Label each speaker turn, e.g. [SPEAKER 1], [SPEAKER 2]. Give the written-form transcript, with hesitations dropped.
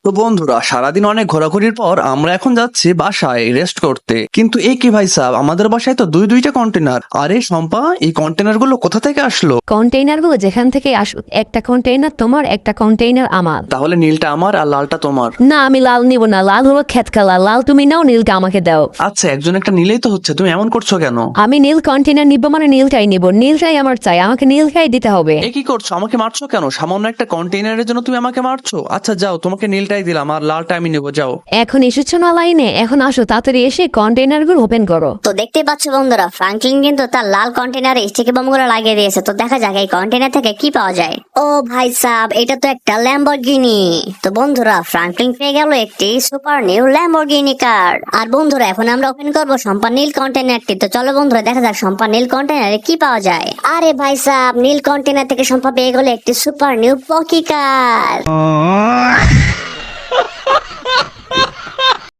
[SPEAKER 1] তো বন্ধুরা, সারাদিন অনেক ঘোরাঘুরির পর আমরা এখন যাচ্ছি বাসায় রেস্ট করতে। কিন্তু এই কি ভাই সাহেব, আমাদের বাসায় তো দুইটা কন্টেনার। আরে শম্পা, এই কন্টেনার গুলো কোথা থেকে আসলো?
[SPEAKER 2] কন্টেইনার গুলো যেখান থেকে আসুক, একটা কন্টেইনার তোমার, একটা কন্টেইনার আমার।
[SPEAKER 1] তাহলে নীলটা আমার আর লালটা তোমার।
[SPEAKER 2] না, আমি লাল নিব না, লাল হলো খেত কালার, লাল তুমি নাও, নীলটা আমাকে দাও।
[SPEAKER 1] আচ্ছা, একজন একটা নিলেই তো হচ্ছে, তুমি এমন করছো কেন?
[SPEAKER 2] আমি নীল কন্টেইনার নিব মানে নীলটাই নিব, নীলটাই আমার চাই, আমাকে নীলটাই দিতে হবে।
[SPEAKER 1] এ কি করছো? আমাকে মারছো কেন? সামান্য একটা কন্টেইনারের জন্য তুমি আমাকে মারছো? আচ্ছা যাও, তোমাকে নীলটাই দিলাম আর লালটা আমি নেবো, যাও।
[SPEAKER 2] এখন এসেছো না লাইনে, এখন আসো তাড়াতাড়ি, এসে কন্টেইনার গুলো ওপেন করো।
[SPEAKER 3] তো দেখতেই পাচ্ছ বন্ধুরা, ফ্রাঙ্কলিন কিন্তু তার লাল কন্টেনারে স্টিকি বোম গুলো লাগিয়ে দিয়েছে। তো দেখা যাক এই কন্টেনার থেকে কি পাওয়া যায়। ও ভাই সাব, এটা তো একটা ল্যাম্বরগিনি। তো বন্ধুরা, ফ্রাঙ্কলিন পেয়ে গেল একটি সুপার নিউ ল্যাম্বরগিনি কার। আর বন্ধুরা, এখন আমরা ওপেন করবো সম্পা নীল কন্টেনারটি। তো চলো বন্ধুরা, দেখা যাক সম্পা নীল কন্টেনারে কি পাওয়া যায়। আরে ভাই সাব, নীল কন্টেনার থেকে সম্পা পেয়ে গেল একটি সুপার নিউ পকি কার।